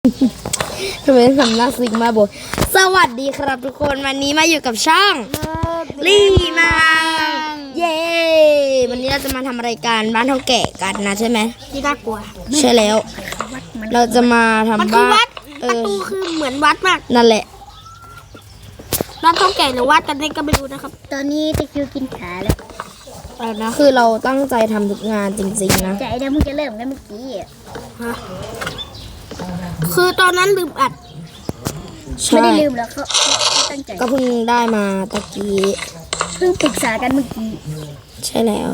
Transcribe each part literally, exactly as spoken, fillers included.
ทำไมสำนักซิกมาบอกสวัสดีครับทุกคนวันนี้มาอยู่กับช่องลี่มังเย้วันนี้เราจะมาทำอะไรกันบ้านเท่าแก่กันนะใช่ไหมที่น่ากลัวใช่แล้วเราจะมาทำบ้านประตูคือเหมือนวัดมากนั่นแหละบ้านเท่าแก่หรือวัดกันเองก็ไม่รู้นะครับตอนนี้ตะคิวกินขาแล้วนะคือเราตั้งใจทำทุกงานจริงๆนะใจเดี๋ยวมึงจะเริ่มกันเมื่อกี้ฮะคือตอนนั้นลืมอัดไม่ได้ลืมแล้วเขาตั้งใจก็เพิ่งได้มาตะกี้เพิ่งปรึกษากันเมื่อกี้ใช่แล้ว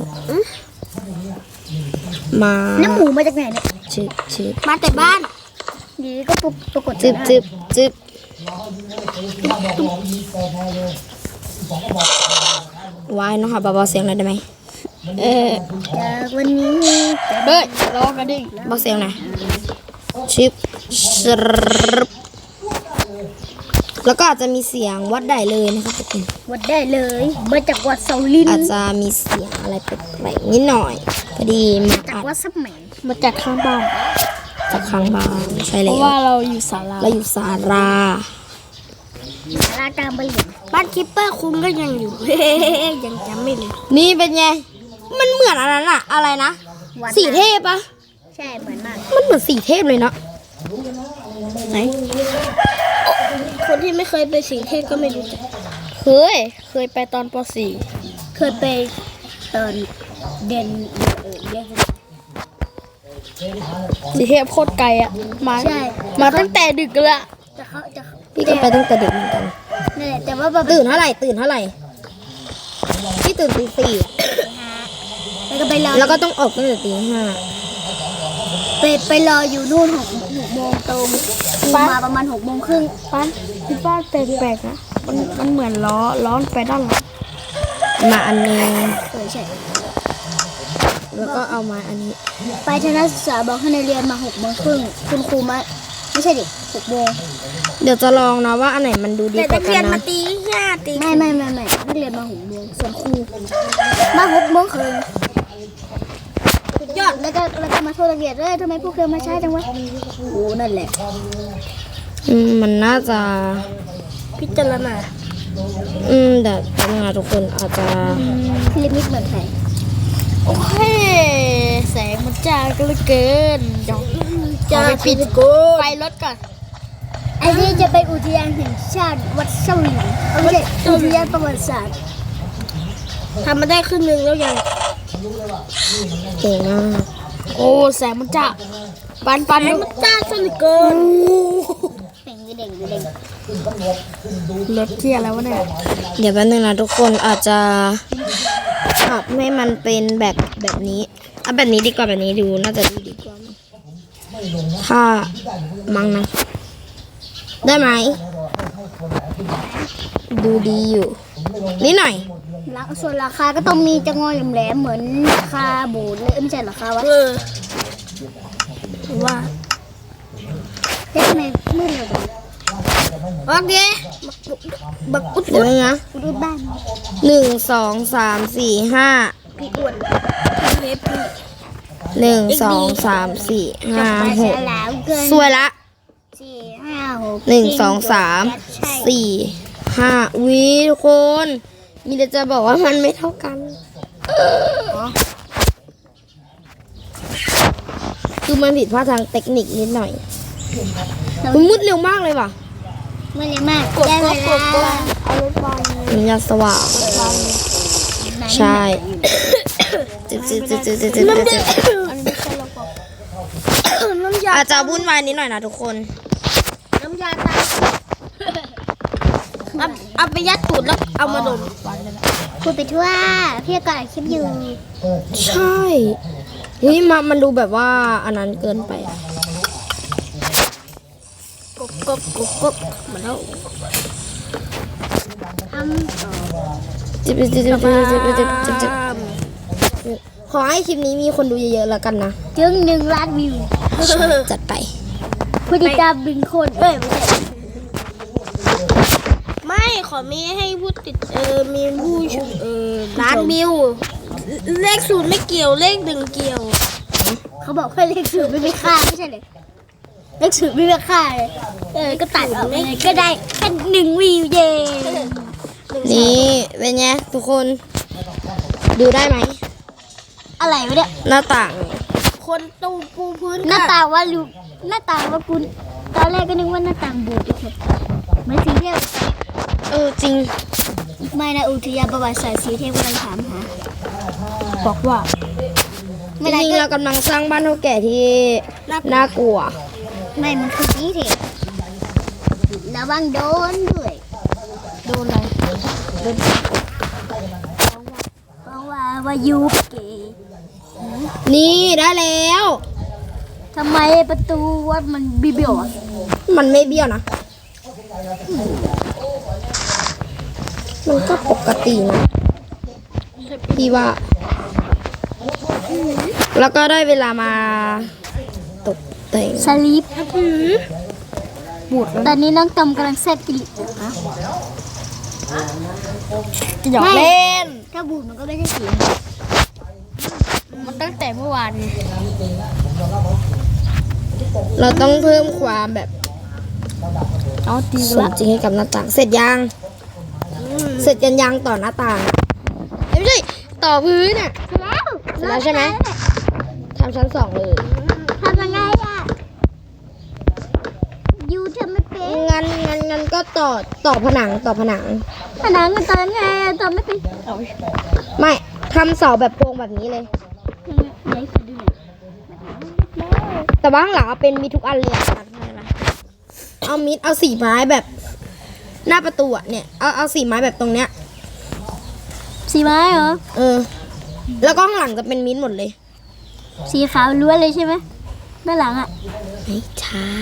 มาน้ำหมูมาจากไหนเนี่ยจึบจึบมาแต่บ้านดีก็ปปรากฏจึบจึบจึบวายเนาะค่ะเบาๆเสียงหน่อยได้ไหมเออจากวันนี้เฮ้ยรอกันดิเบาเสียงหน่อยชิปแล้วก็อาจจะมีเสียงวัดได้เลยนะครับทุกคนวัดได้เลยมาจากวัดเซาลินอาจจะมีเสียงอะไรแปลกๆนิดหน่อยพอดีมาจากวัดสมัยมาจากข้างบ้านจากข้างบ้านใช่แล้วเพราะว่าเราอยู่ศาลาเราอยู่ศาลาศาลากลางบ้านบ้านคิปเปอร์คุ้มก็ยังอยู่ยังจำไม่เลยนี่เป็นไงมันเหมือนอะไรน่ะอะไรนะสีเทพปะใช่เหมือนมากมันเหมือนสีเทพเลยเนาะไหนคนที่ไม่เคยไปสีเทพก็ไม่รู้จักเคยเคยไปตอนป .สี่ เคยไปตอนเด่นเออเรียกสีเทพโคตรไกลอ่ะมามาตั้งแต่ดึกละจะเขาจะพี่ก็ไปตั้งแต่ดึกเหมือนกันนี่แหละแต่ว่าตื่นเท่าไหร่ตื่นเท่าไหร่พี่ตื่นตีสี่แล้วก็ไปรอแล้วก็ต้องออกตั้งแต่ตีห้าไปไปรออยู่นู่นหกหกโมงตรงมาประมาณหกโมงครึ่งป้าที่บ้านแปลกๆนะมันมันเหมือนล้อล้อไปด้านหลังมาอันนึงเออใช่แล้วก็เอามาอันนี้ไปทัศนศึกษาบอกให้นักเรียนมาหกโมงครึ่งคุณครูมาไม่ใช่ดิหกโมงเดี๋ยวจะลองนะว่าอันไหนมันดูดีกว่ากันนะแต่นักเรียนมาตีห้าตีไม่ไม่ไม่ไม่นักเรียนมาหกโมงส่วนครูมาหกโมงครึ่งยอดแล้วก็แล้วก็มาโทษนักเรียนเลยทำไมพวกเธอมาช้าจังวะโอ้นั่นแหละอืมมันน่าจะพิจารณาอืมแต่ทำงานทุกคนอาจจะลิมิตเหมือนใครโอเคแสงมันจ้าก็เหลือเกินจะไปปิดกูไปรถก่อนไอ้นี่จะไปอุทยานแห่งชาติวัดเซาหลินไม่ใช่อุทยานประวัติศาสตร์ทำมาได้ครึ่งนึงแล้วยังเก่งมากโอ้แสงมันจ้าปันปันมันจ้าซะเหลือเกินเด่งเด่งเด่งรถเที่ยแล้ววะเนี่ยเดี๋ยวแป๊บนึงนะทุกคนอาจจะปรับให้มันเป็นแบบแบบนี้เอาแบบนี้ดีกว่าแบบนี้ดูน่าจะดูดีกว่าถ้ามั้งนะได้ไหมดูดีอยู่นิดหน่อยส่วนราคาก็ต้องมีจะงอยแหลมเหมือนราคาบูดเลยไม่ใช่ราคาวะว่าเจ๊ทำไมมืดเลยโอเคบักอุดเลยนะอุดบ้านหนึ่งสองสามสี่ห้าพี่อ้วนหนึ่งสองสามสี่ห้าหกสวยละสี่ห้าหกหนึ่งสองสามสี่ห้าวิทุกคนมีแต่จะบอกว่ามันไม่เท่ากันคือมันผิดพลาดทางเทคนิคนิดหน่อยมันมืดเร็วมากเลยว่ะมืดเร็วมากกดกดกดกดเอารถไฟมันยาสว่างใช่จิ๊บจิ๊บจิ๊บจิ๊บจิ๊บจิ๊บจิ๊บอาจจะวุ่นวายนิดหน่อยนะทุกคนน้ำยาตาเอาเอาไปยัดตูดแล้วเอามาดมพูดไปทั่วพี่ก็อัดคลิปอยู่ใช่เฮ้ยมามันดูแบบว่าอันนั้นเกินไปอ่ะกบกบกบกบมาแล้วทำจิ๊บจิ๊บจิ๊บจิ๊บจิ๊บจิ๊บจิ๊บจิ๊บขอให้คลิปนี้มีคนดูเยอะๆแล้วกันนะถึงหนึ่งล้านวิวจัดไปผู้ติดตามบินคนเอ้ยไม่ใช่ไม่ขอมีให้ผู้ติดเออมีผู้เออล้านวิวเลขศูนย์ไม่เกี่ยวเลขหนึ่งเกี่ยวเขาบอกแค่เลขศูนย์ไม่มีค่าไม่ใช่เลยหนังสือไม่มีค่าเลยเออก็ตัดออกไปเลยก็ได้แค่หนึ่งวิวเย่นี่เป็นไงทุกคนดูได้ไหมอะไรวะเนี่ยหน้าต่างคนตูปูพื้นหน้าต่างว่าลูหน้าต่างว่าคุณตอนแรกก็นึกว่าหน้าต่างโบสถ์เฉยๆไม่สีเทพเออจริงไม่นะอุทยานประวัติศาสตร์สีเทพกำลังถามหาบอกว่าไม่จได้ริงๆก็เรากำลังสร้างบ้านเท่าแก่ที่น่ากลัวไม่มันคือสีเทพระวังโดนด้วยโดนอะไรโดนเพราะว่าว่ายูเกย์นี่ได้แล้วทำไมประตูวัดมันบิเบี้ยวอ่ะมันไม่เบี้ยวนะมันก็ปกตินะพี่ว่า แล้วก็ได้เวลามาตกแต่งสลิปบูดตอนนี้น้องตอมกำลังแซ่บกิลิอยู่นะหยอกเล่นถ้าบูดมันก็ไม่ใช่สีมันตั้งแต่เมื่อวานเราต้องเพิ่มความแบบเอาตีสมจริงให้กับหน้าต่าง เสร็จยัง เสร็จกันยังต่อหน้าต่างอะเอ้ยไม่ใช่ต่อพื้นอ่ะแล้วเสร็จแล้วใช่ไหมทำชั้นสองเลยทำยังไงอ่ะยูทำไม่เป็นงั้นงั้นงั้นก็ต่อต่อผนังต่อผนังผนังมันตอนไงอะตอนไม่เป็นไม่ทำเสาแบบโพรงแบบนี้เลยไหนขอดูหน่อยแต่ว่าข้างหลังเอาเป็นมีทุกอันเลยอะเอามิดเอาสีไม้แบบ หน้าประตูอะเนี่ยเอาเอาสีไม้แบบตรงเนี้ยสีไม้เหรอเออ แล้วก็ข้างหลังจะเป็นมิดหมดเลยสีขาวล้วนเลยใช่ไหมด้านหลังอ่ะไม่ใช่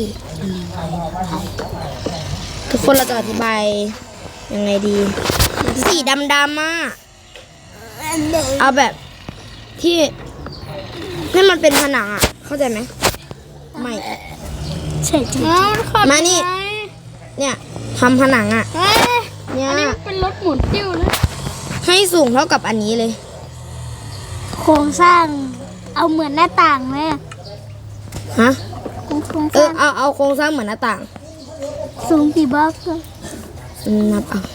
ทุกคนเราจะอธิบายยังไงดี สีดำดำอ่ะเอาแบบที่ให้มันเป็นผนังอ่ะ เข้าใจไหมไม่ใช่จริงมานี่ เนี่ยทำผนังอ่ะ เนี่ยเป็นรถหมุนติ้วเลยให้สูงเท่ากับอันนี้เลยโครงสร้างเอาเหมือนหน้าต่างไหมอะฮะโครงสเอร้าอง เอาเอาโครงสร้างเหมือนหน้าต่างสูงกี่บล็อกอะอืมนับเอา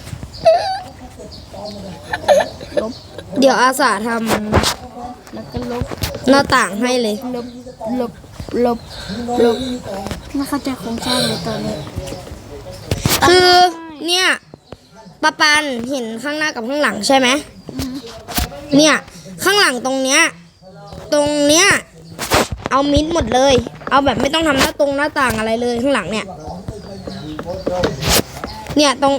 เดี๋ยวอาสาทแล้วก็ลบำหน้าต่างให้เลยลบลบลบลบไม่เข้าใจโครงสร้างเลยตอนนี้คือเนี่ยปะปันเห็นข้างหน้ากับข้างหลังใช่ไหมเนี่ยข้างหลังตรงเนี้ยตรงเนี้ยเอามิดหมดเลย เอาแบบไม่ต้องทำหน้าตรงหน้าต่างอะไรเลยข้างหลังเนี่ยเนี่ยตรง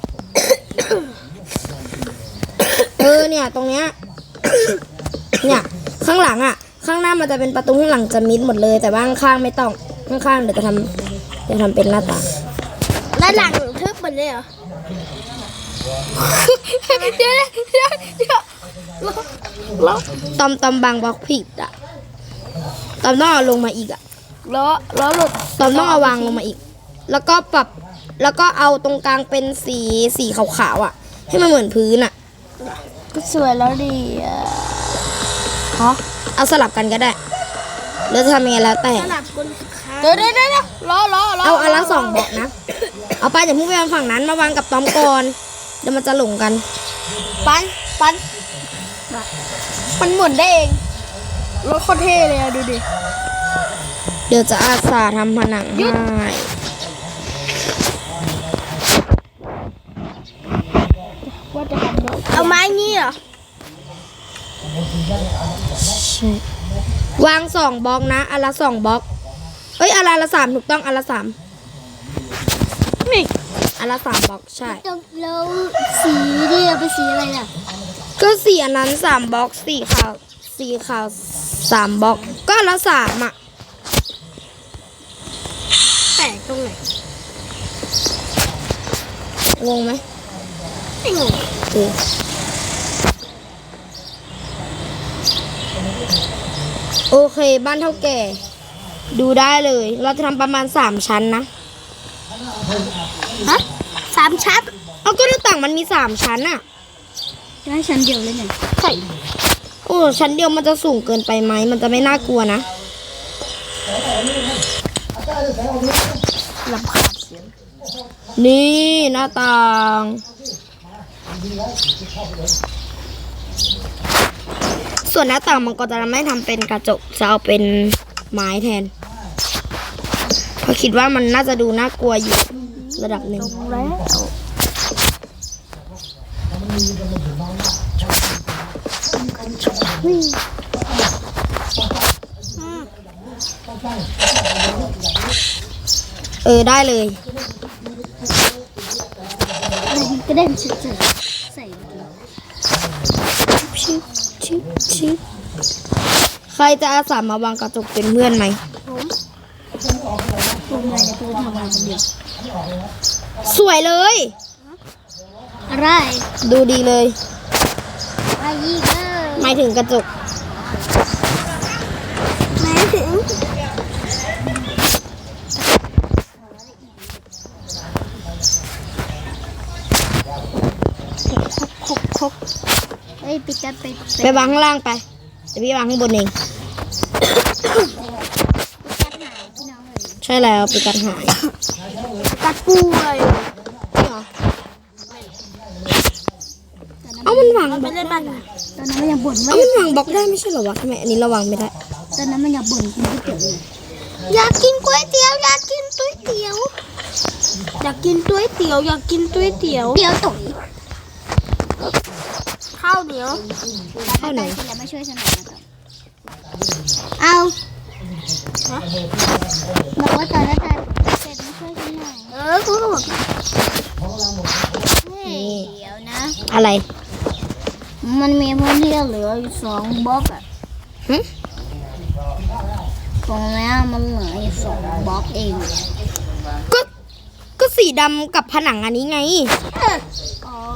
เออเนี่ยตรงเนี้ยเนี่ยข้างหลังอ่ะ ข้างหน้ามันจะเป็นประตูข้างหลังจะมิดหมดเลย แต่ว่าข้างๆไม่ต้องข้างๆเดี๋ยวจะทำจะทำเป็นหน้าต่างแล้วหลังทึบหมดเลยเหรอ เดี๋ยวเดี๋ยวเดี๋ยวแล้วตอมตอมบางบล็อกผิดอ่ะตอมต้องเอาลงมาอีกอ่ะแล้วแล้วหลุดตอมต้องเอาวางลงมาอีก แล้วก็ปรับแล้วก็เอาตรงกลางเป็นสีสีขาวๆอ่ะ ให้มันเหมือนพื้นอ่ะก็สวยแล้วดีอ่ะฮะเอาสลับกันก็ได้แล้วจะทำยังไงแล้วแต่สลับคนเดี๋ยวเดี๋ยวเดี๋ยวรอรอรอเอาอันละสองบล็อกนะเอาไปอย่าเพิ่งไปวางฝั่งนั้นมาวางกับตอมก่อนเดี๋ยวมันจะหลงกันปันปันมันหมุนได้เองรถโคตรเท่เลยอะดูดิเดี๋ยวจะอาสาทำผนังให้ว่าจะทำรถเอาไม้งี้เหรอวางสองบล็อกนะอันละสองบล็อกเอ้ยอันละสามถูกต้องอันละสามนี่อันละสามบล็อกใช่แล้วสีที่เอาไปสีอะไรน่ะก็สีอันนั้นสามบล็อกสีขาวสีขาวสามบล็อกก็อันละสามอ่ะแตกตรงไหนงงไหมไม่งงเออโอเคบ้านเท่าแก่ ดูได้เลย เราจะทำประมาณสามชั้นนะฮะสามชั้นเอาก็หน้าต่างมันมีสามชั้นอะได้ชั้นเดียวเลยเนี่ยใช่โอ้ชั้นเดียวมันจะสูงเกินไปไหมมันจะไม่น่ากลัวนะลำขาดเสียงนี่หน้าต่าง ส่วนหน้าต่างมันก็จะไม่ทำเป็นกระจกจะเอาเป็นไม้แทนเพราะคิดว่ามันน่าจะดูน่ากลัวอยู่ระดับหนึ่งแล้วเออได้เลยกระเด็นสุดๆใส่ชิบชิบชิบใครจะอาสามาวางกระจกเป็นเพื่อนไหมผมไงนะพูดทำอะไรคนเดียวสวยเลยอะไรดูดีเลยอะไรอีกเออหมายถึงกระจกหมายถึงคกคกเอ้ยปิดกันไปไปวางข้างล่างไปเดี๋ยวพี่วางข้างบนเอง ใช่แล้วปีกัดหายกัดป่วยเอามันวางบไปล็อกเล่นบ้านตอนนั้นมันยังบ่นเอาว่ามันวางบล็อกได้ไม่ใช่เหรอวะทำไมอันนี้เราวางไม่ได้ตอนนั้นมันยังบ่นกินก๋วยเตี๋ยวอยู่อยากกินก๋วยเตี๋ยวอยากกินก๋วยเตี๋ยวอยากกินก๋วยเตี๋ยวอยากกินก๋วยเตี๋ยวเตี๋ยวตุ๋ยข้าวเหนียวข้าวเหนียวกินแล้วไม่ช่วยฉันหน่อยนะต่อเอาบอกว่าตอนนั้นเสร็จไม่ช่วยฉันหน่อยเออกูก็บอกเฮ้ยเดี๋ยวนะอะไรมันมีพื้นที่เหลืออยู่สองบล็อกอะหึตรงนี้มันเหลืออยู่สองบล็อกเองก็ก็สีดำกับผนังอันนี้ไงอ๋อ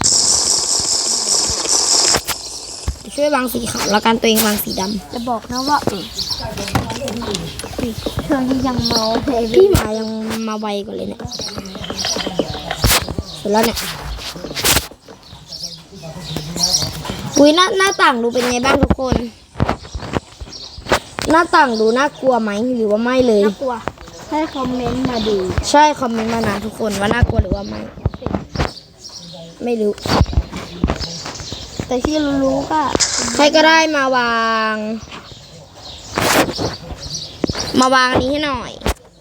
ช่วยวางสีขาวแล้วกันตัวเองวางสีดจะบอกนะว่าเออเธอยังเมาเพลำพี่หมายังมาไวกว่าเลยเนี่ยเสร็จแล้วเนี่ยอุ้ยหน้าหน้าต่างดูเป็นไงบ้างทุกคน หน้าต่างดูน่ากลัวไหมหรือว่าไม่เลยน่ากลัวให้คอมเมนต์มาดูใช่คอมเมนต์มานะทุกคนว่าน่ากลัวหรือว่าไม่ ไม่รู้แต่ที่รู้ๆก็ใครก็ได้มาวาง มาวางอันนี้ให้หน่อย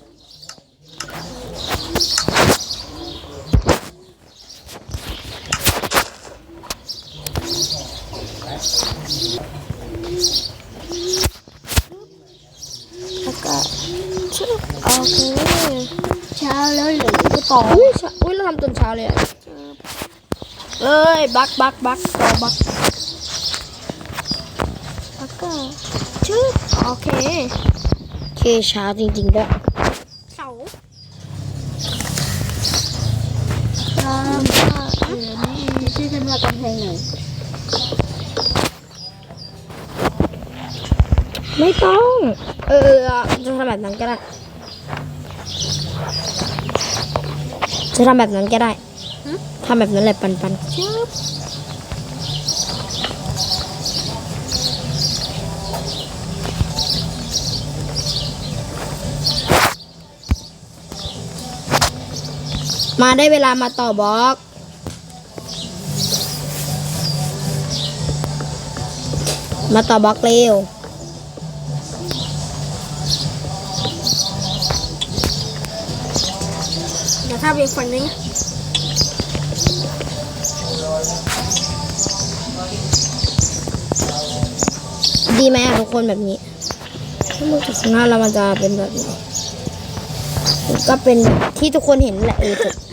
แล้วก็ชื่อโอเคเช้าแล้วเหลือไปต่ออุ้ยเช้าอุ้ยเราทำจนเช้าเลยอะเอ้ยบักบักบักต่อบักแล้วก็ชื่อโอเคโอเคเช้าจริงๆด้วยเสาแล้วก็เหลือนี่ช่วยฉันวาดกำแพงหน่อยไม่ต้อง เออเออจะทำแบบนั้นก็ได้ จะทำแบบนั้นก็ได้ทำแบบนั้นแหละปันปันชื่อมาได้เวลามาต่อบล็อก มาต่อบล็อกเร็วเดี๋ยวถ้าไปฝั่งนี้ดีไหมอะทุกคนแบบนี้ถ้ามือจากข้างหน้าเรามันจะเป็นแบบนี้ก็เป็นแบบที่ทุกคนเห็นแหละเออจบ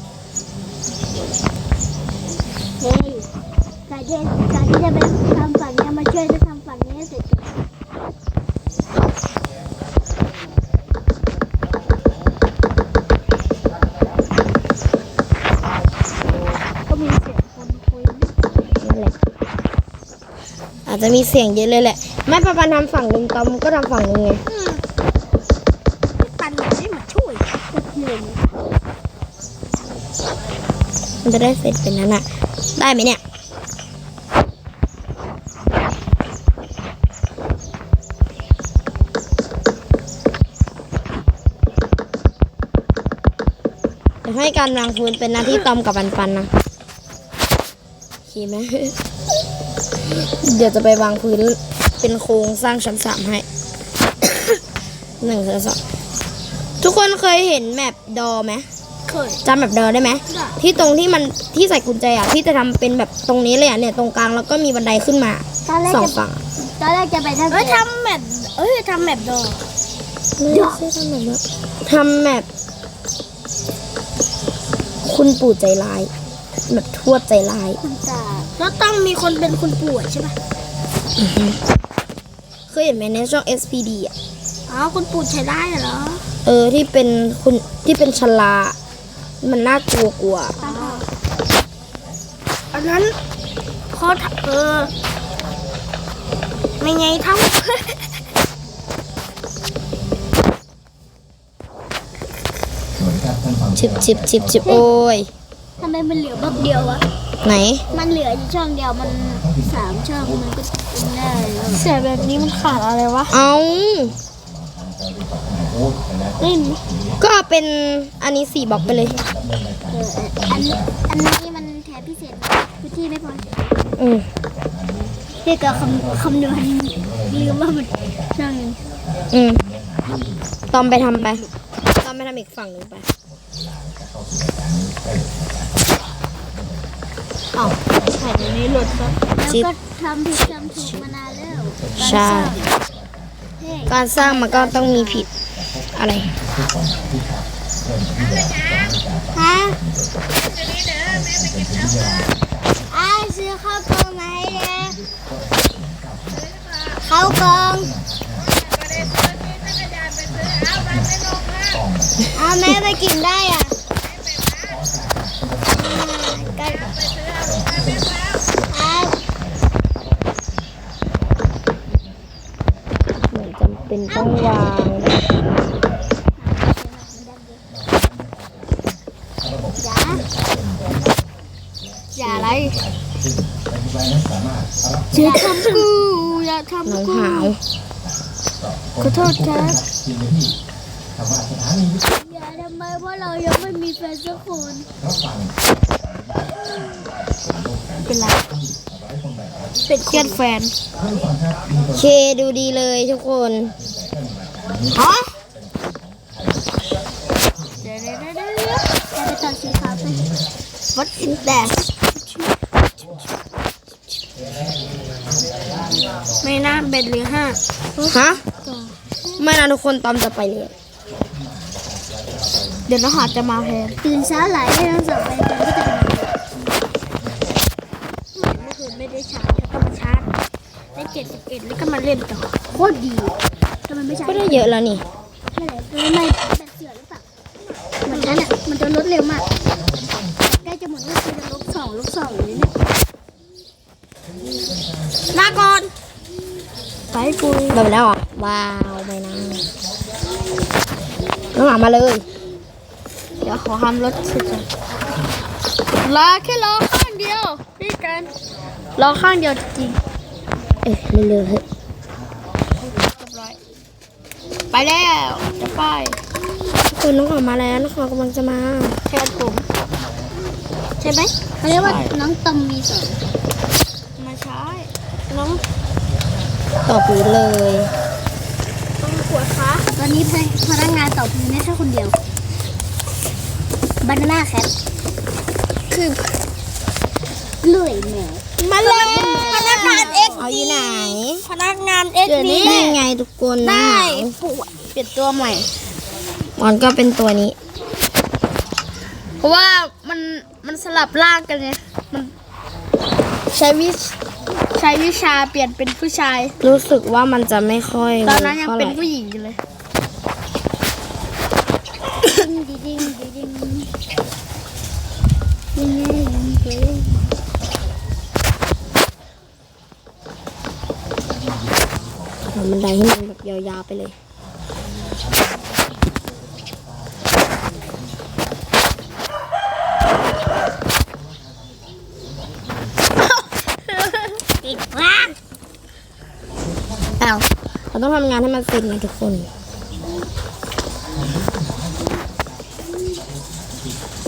เฮ้ยการที่การที่จะไปทำฝั่งนี้มาช่วยจะทำฝั่งนี้ให้เสร็จก่อนก็มีเสียงคนคุยนั่นแหละอาจจะมีเสียงเยอะเลยแหละแม่ปะปันทำฝั่งหนึ่งตอมก็ทำฝั่งหนึ่งไงปันได้มาช่วยมันจะได้เสร็จเป็นนั้นอะได้ไหมเนี่ยเดี๋ยวให้การวางพื้นเป็นหน้าที่ตอมกับปันปันนะโอเคไหม เดี๋ยวจะไปวางพื้นเป็นโครงสร้างชั้นสามให้ หนึ่งชั้นสองทุกคนเคยเห็นแมปดอไหมเคยจำแบบดอได้ไหมที่ตรงที่มันที่ใส่กุญแจอ่ะที่จะทำเป็นแบบตรงนี้เลยอ่ะเนี่ยตรงกลางแล้วก็มีบันไดขึ้นมาตอนแรกสองจะฝั่งตอนแรกจะไปทำเอ้ยทำแบบเอ้ยทำแบบดอไม่ใช่ทำแบบนั้นทำแบบคุณปู่ใจร้ายแบบทวดใจร้ายคุณตาแล้วต้องมีคนเป็นคุณปู่ใช่ปะเคยเห็นไหมในช่อง เอส พี ดี อ่ะอ๋อคุณปู่ใช้ได้เหรอเออที่เป็นคุณที่เป็นชลา มันน่ากลัวกลัวอ๋ออันนั้นเขาทำเออไม่ไงเท่าชิบชิบชิบชิบโอ้ยทำไมมันเหลือบล็อกเดียววะไหนมันเหลืออยู่ช่องเดียวมันสามช่องมันก็กินได้แล้วเสียแบบนี้มันขาดอะไรวะเอาเล่นก็เอาเป็นอันนี้สี่บล็อกไปเลยเอออันอันนี้มันแถมพิเศษพื้นที่ไม่พออืมเรียกกับคำคำนวณลืมว่ามันช่องนึงอืมตอมไปทำไปตอมไปทำอีกฝั่งหนึ่งไปเอาแผ่นนี้หลุดซะแล้วก็ทำผิดทำถูกมานานแล้วใช่เฮ้ยการสร้างมันก็ต้องมีผิดอะไรฮะอ้ายซื้อข้าวกล่องไหนเนี่ยข้าวกล่องเอาแม่ไปกินได้อ่ะอ่าก็ครับเหมือนจำเป็นต้องวางอย่าอย่าอะไรอย่าทำกูอย่าน้องทำกูหาวขอโทษครับอย่าทำไมเพราะเรายังไม่มีแฟนสักคนเป็นไรเป็นเครียดแฟนเคดูดีเลยทุกคนฮะเดี๋ยวเดี๋ยวเดี๋ยวเดี๋ยวจะไปตัดสีขาวไปวัดอินแดดไม่น่าเบ็ดหรือห้าฮะ ไม่นะทุกคนตอมจะไปเลยเดี๋ยวน้องหาจะมาแทนตื่นเช้าหลายให้ทั้งสองไปกันก็จะเป็นเมื่อคืนไม่ได้ชาร์จแล้วก็มาชาร์จได้เจ็ดสิบเอ็ดแล้วก็มาเล่นต่อโคตรดีทำไมไม่ใช่ก็ได้เยอะแล้วนี่ไม่ไหนไม่ไม่แบบเสือหรือเปล่าเหมือนนั้นอ่ะมันจะลดเร็วมากใกล้จะหมดก็คือจะลบสองลบสองเลยเนี่ยลาก่อนไปกูแบบแล้วเหรอ่ะ ว้าวไม่นะน้องหมามาเลยเดี๋ยวขอทำรถสุดลาแค่รอข้างเดียวพี่กันรอข้างเดียวจริงเอ๊ะเร็วๆเฮ้ยๆเรียบร้อยไปแล้วจะไปทุกคนน้องหมามาแล้วน้องหมากำลังจะมาแทนผมใช่ไหมเขาเรียกว่าน้องตอมมีสองมาใช้น้องต่อปูเลยต้องขวดคะตอนนี้พนักงานต่อพื้นได้แค่คนเดียวบานาน่าแคทคือเลื่อยแมวมาเลยพนักงานเอ็กเอาอยู่ไหนพนักงานเอ็กนี้นี่ไงทุกคนน้องได้หมาปวดเปลี่ยนตัวใหม่มันก็เป็นตัวนี้เพราะว่ามันมันสลับร่างกันไงมันใช้วิใช้วิชาเปลี่ยนเป็นผู้ชายรู้สึกว่ามันจะไม่ค่อยตอนนั้นยังท่าไหเป็นร่ผู้หญิงอยู่เลยดิ้งดิ้งดิ้งดิ้งดิ้งดิ้งทำบันไดให้มันแบบยาวๆไปเลยติดว่างอ้าวเราต้องทำงานให้มันเสร็จไงทุกคน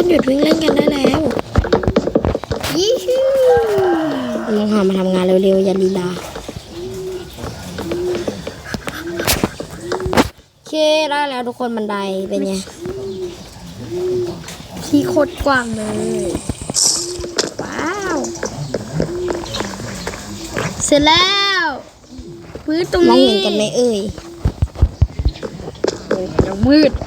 หยุดวิ่งเล่นกันได้แล้วยี่ฮู้น้องหามาทำงานเร็วๆอย่าลีลาโอเคได้แล้วทุกคนบันไดเป็นไงที่โคตรกว้างเลยว้าวเสร็จแล้วพื้นตรงมองนี้เห็นกันไหมเอ่ยโอ้ยเดี๋ยวมืด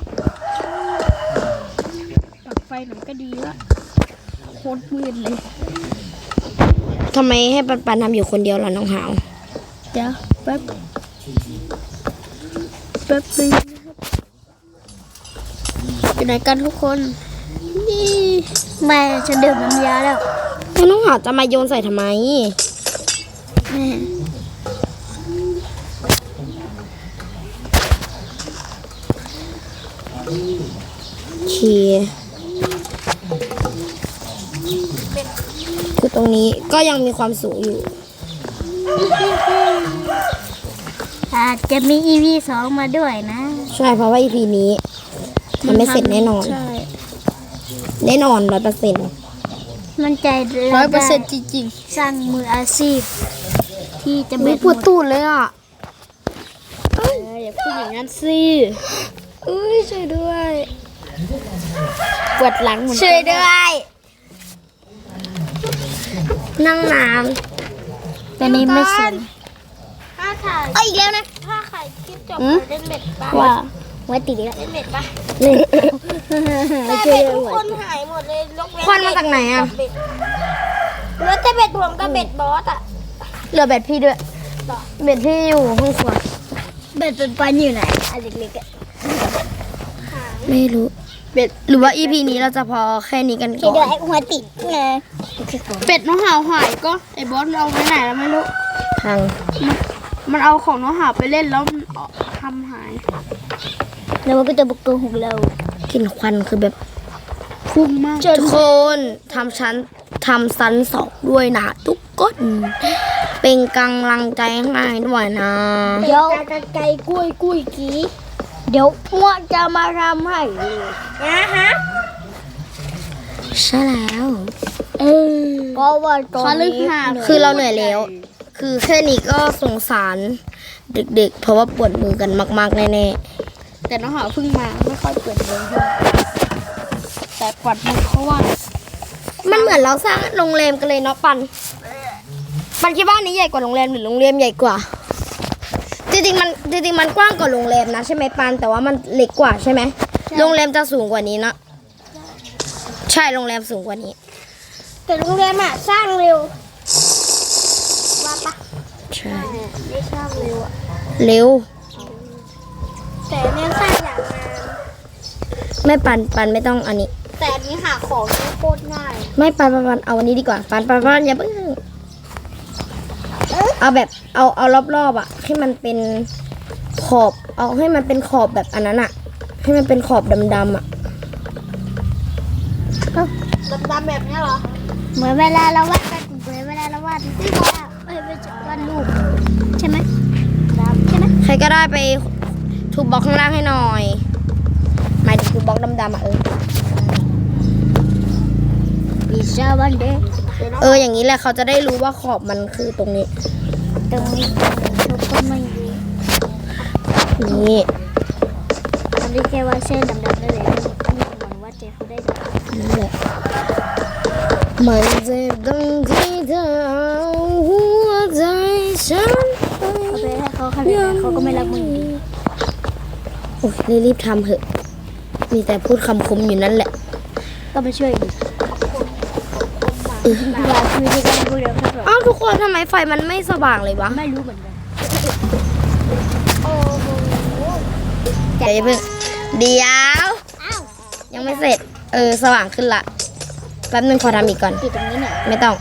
ปักไฟหน่อยก็ดีละโคตรมืดเลยทำไมให้ปันปันทำอยู่คนเดียวล่ะน้องหาวเดี๋ยวแป๊บแป๊บนึงอยู่ไหนกันทุกคนนี่แม่ฉันดื่มน้ำยาแล้วแล้วน้องหาวจะมาโยนใส่ทำไมแม่โอเคคือตรงนี้ก็ยังมีความสูงอยู่อาจจะมี อี พี สองมาด้วยนะใช่เพราะว่า อี พี นี้มันไม่เสร็จแน่นอนใช่แน่นอนร้อยเปอร์เซ็นต์มันใจร้อยเปอร์เซ็นต์จริงสร้างมืออาชีพ ที่จะไม่เบ็ดปวดตูดเลยอ่ะๆเอออย่าพูดอย่างนั้นสิอุ้ยช่วยด้วยปวดหลังเหมือนกันช่วยด้วยนั่งน้แต่นี้ไม่สนถ้าถ่ายำเอ้ยอีกแล้วนะถ้าถ่ายคลิปจบอืมเล่นเบ็ดปะว่าไว้ติดอีกแล้วเล่นเบ็ดปะนี่แต่เบ็ดทุกคนหายหมดเลยยกเว้นควันมาจากไหนอ่ะเบ็ดเหลือแต่เบ็ดผมกับเบ็ดบอสอ่ะเหลือเบ็ดพี่ด้วย เบ็ดพี่อยู่ห้องครัวเบ็ดเป็นปันอยู่ไหนอันเล็กๆอะไม่รู้เป็ดหรือว่า อี พี นี้เราจะพอแค่นี้กันคิก่ดอว่าน ไอ้หัวติดไงเป็ดน้องหาวหายก็ไอ้บอสมันเอาไปไหนแล้วไม่รู้ทางมันเอาของน้องหาวไปเล่นแล้วมันเอาทำหายแล้วมันก็จะบุกตัวของเรากลิ่นควันคือแบบพุ่งมากทุกคนทำชั้นทำซันสองด้วยนะทุกคนเป็นกำลังใจให้ด้วยนะเดี๋ยวไก่กุ้ยกุ้ยกี้เดี๋ยวพวกจะมาทำให้นะฮะใช่แล้วเออเพราะว่าตอนเขาลึกนี้หาคือเราเหนื่อยแล้ว คือแค่นี้ก็สงสารเด็กๆ เพราะว่าปวดมือกันมากๆแน่แต่น้องหาวเพิ่งมาไม่ค่อยเปิดเลยแต่กวัดมือเขาว่าๆมันเหมือนเราสร้างโรงแรมกันเลยเนาะปัน ปันคิดว่าอันนี้ใหญ่กว่าโรงแรมหรือโรงแรมใหญ่กว่า จริงๆมันจริงๆมันกว้างกว่าโรงแรมนะใช่ไหมปัน แต่ว่ามันเล็กกว่าใช่ไหมโรงแรมจะสูงกว่านี้นะใช่โรงแรมสูงกว่านี้แต่โรงแรมอ่ะสร้างเร็วว่าปะใช่ไม่สร้างเร็วอ่ะเร็วแต่เนี่ยสร้างอย่างนานไม่ปันปันไม่ต้องอันนี้แต่อันนี้หาของนี่โคตรง่ายไม่ปันปันปันเอาอันนี้ดีกว่าปันปันปันอย่าเพิ่งเอาแบบเอาเอารอบๆอ่ะให้มันเป็นขอบ เอาให้มันเป็นขอบแบบอันนั้นอ่ะ ให้มันเป็นขอบดำๆอ่ะดำๆแบบเนี้ยเหรอเหมือนเวลาเราวาดกันเหมือนเวลาเราวาดที่ว่าเอ้ยไม่ใช่วาดรูปใช่ไหมใช่ไหมใครก็ได้ไปทุบบล็อกข้างล่างให้หน่อยหมายถึงทุบบล็อกดำๆอ่ะเออปีชาวันเดย์เอออย่างนี้แหละเขาจะได้รู้ว่าขอบมันคือตรงนี้ตรงนี้ทุกคนไม่รู้นี่อันนี้แค่ว่าเส้นดำๆได้เลยนี่เหมือนว่าเจเขาได้ดำนั่นแหละมันเจ็บตรงที่เธอเอาหัวใจฉันเอาไปให้เขาขนาดนั้นเขาก็ไม่รักมึงอยู่ดีโอ้ยรีบๆทำเถอะ มีแต่พูดคำคมอยู่นั่นแหละก็ไปช่วยดิอยากคุยด้วยกันพวกเดียวกันหรออ้าวทุกคนทำไมไฟมันไม่สว่างเลยวะไม่รู้เหมือนกันเดี๋ยวอย่าเพิ่งเดี๋ยวอ้าวยังไม่เสร็จ เออสว่างขึ้นละ แป๊บนึงขอทำอีกก่อนปิดตรงนี้หน่อยไม่ต้อง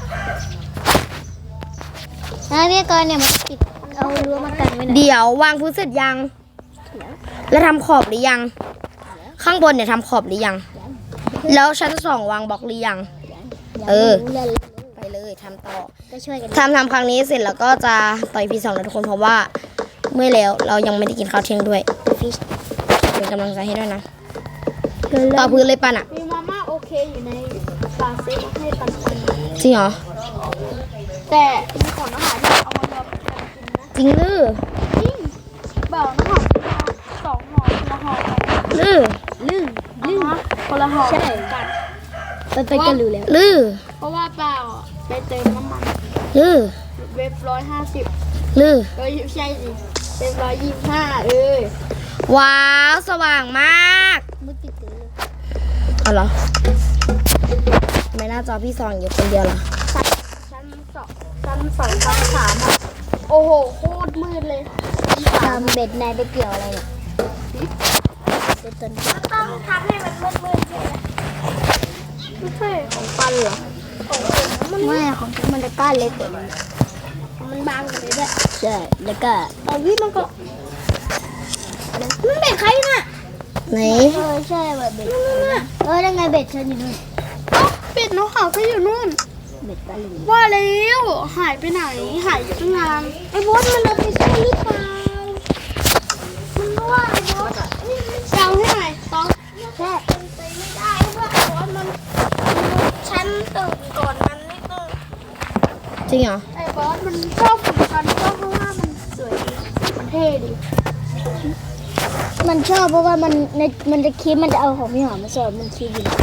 แล้วพี่กรณ์เนี่ยมันปิดเอารั้วมากันไว้หน่อยเดี๋ยววางพื้นเสร็จยัง แล้วทำขอบหรือยัง ข้างบนเนี่ยทำขอบหรือยัง แล้วชั้นสองวางบล็อกหรือยัง เออรู้เลยไปเลยทำต่อก็ช่วยกันทำทำครั้งนี้เสร็จแล้วก็จะต่อยพีสองนะทุกคนเพราะว่าเมื่อยแล้วเรายังไม่ได้กินข้าวเที่ยงด้วยฟิชเป็นกำลังใจให้ด้วยนะเกินต่อพื้นเลยปันอ่ะมีมาม่าอบเคอยู่ในฝาเซฟให้ปันปันจริงเหรอแต่มีของอาหารที่เอามารวมกันกินนะจริงหรือจริงเบาน้ำหอมสองห่อคนละห่อกันหรือลึ่งลึ่งคนละห่อกันเป็นไปกันรู้แล้วหรือเพราะว่าเปล่าอ่ะไปเติมน้ำมันหรือเว็บร้อยห้าสิบหรือเอ้ยไม่ใช่สิเว็บร้อยยี่สิบห้าเออว้าวสว่างมากมือติดเลยเอาเหรอไม่น่าจอพี่ซองอยู่คนเดียวเหรอชั้นสองชั้นสองชั้นสามอ่ะโอ้โหโคตรมืดเลยทำเบ็ดนายไปเกี่ยวอะไรเนี่ยเป็นต้นต้องทำให้มันมืดๆใช่ไหมไม่ใช่ของปันเหรอไม่ของฉันมันจะก้านเล็กกว่ามันมันบางกว่านี้ด้วยใช่แล้วก็เอาวิมันก็มันเบ็ดใครน่ะไหนเออใช่แบบเบ็ดเออยังไงเบ็ดฉันอยู่นู่นเอ้าเบ็ดน้องขาวก็อยู่นู่นเบ็ดตะลิงว่าแล้วหายไปไหนหายอยู่ตั้งนานไอ้บอสมันเอาไปใช่หรือเปล่ามันก็ว่าไอ้บอสเจ้าให้หน่อยต้องแค่เป็นไปไม่ได้เพราะว่าไอ้บอสมันฉันตื่นก่อนมันนิดนึงจริงเหรอไอ้บอสมันชอบฝึกกันก็เพราะว่ามันสวยดีมันเท่ดี มันชอบเพราะว่ามันในมันจะคิดมันจะเอาของพี่หอมมาสอนมันคิดอยู่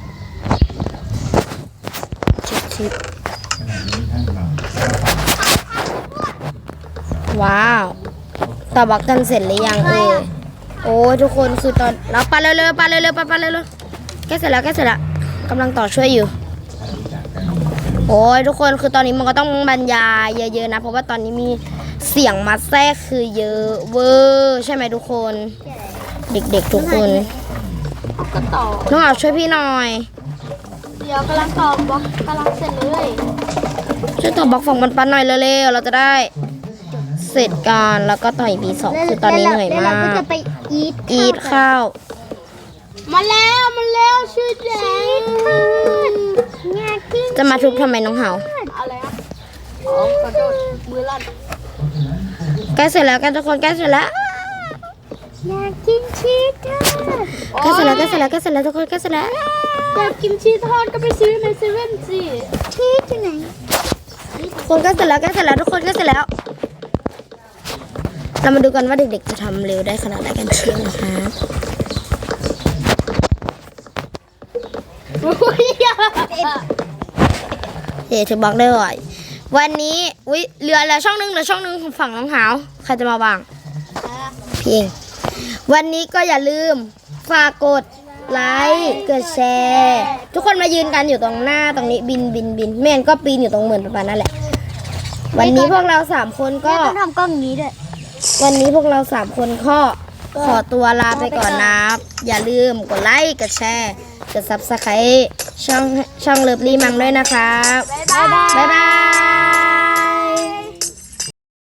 ชิปชิปว้าวต่อบล็อกกันเสร็จหรือยังเออโอ้ยทุกคนคือตอนเราไปเร็วๆไปเร็วๆไปไปเร็วๆแกเสร็จแล้วแกเสร็จแล้วกำลังต่อช่วยอยู่โอ้ยทุกคนคือตอนนี้มันก็ต้องบรรยายเยอะๆนะเพราะว่าตอนนี้มีเสียงมาแทรกคือเยอะเวอร์ใช่ไหมทุกคนเด็กๆทุกคนก็ต่อน้องเอาช่วยพี่หน่อยเดี๋ยวกำลังต่อบล็อกกำลังเสร็จเลยช่วยต่อบล็อกฝั่งปันๆหน่อยเร็วๆเราจะได้เสร็จกันแล้วก็ต่อยปีสองคือตอนนี้เหนื่อยแล้วมาเราก็กจะไปอีทอีทข้าวมาแล้วมาแล้วชื่อแดงงากิ้งจะมาทุบทำไมน้องเหาอะไรครับอ๋อขอโทษมือลั่นใกล้เสร็จแล้วกันทุกคนใกล้เสร็จแล้วงากิ้งชีสค่ะใกล้เสร็จแล้วใกล้เสร็จแล้วใกล้เสร็จแล้วทุกคนใกล้เสร็จแล้วอยากกินชีสทอดก็ไปซื้อในเซเว่นสิชีสที่ไหนคนใกล้เสร็จแล้วใกล้เสร็จแล้วทุกคนใกล้เสร็จแล้ว เรามาดูกันว่าเด็กๆจะทำเร็วได้ขนาดไหนกันเชียวนะครับโอ้ยอย่าเดี๋ยวถือบล็อกได้บ่อยวันนี้อุ้ยเหลือเหลือช่องนึงเหลือช่องนึงของฝั่งน้องเหาใครจะมาบ้างพี่เองวันนี้ก็อย่าลืมฝากกดไลค์กดแชร์ทุกคนมายืนกันอยู่ตรงหน้าตรงนี้บินบินบินแม่นก็ปีนอยู่ตรงเหมือนประมาณนั่นแหละ วันนี้พวกเราสามคนก็ต้องทำกล้องนี้ด้วยวันนี้พวกเราสามคนก็ขอตัวลาไปก่อนนะอย่าลืมกดไลค์กดแชร์กดซับสไครต์ช่องช่องเลิฟลี่มัมด้วยนะครับบ๊ายบายบ๊ายบาย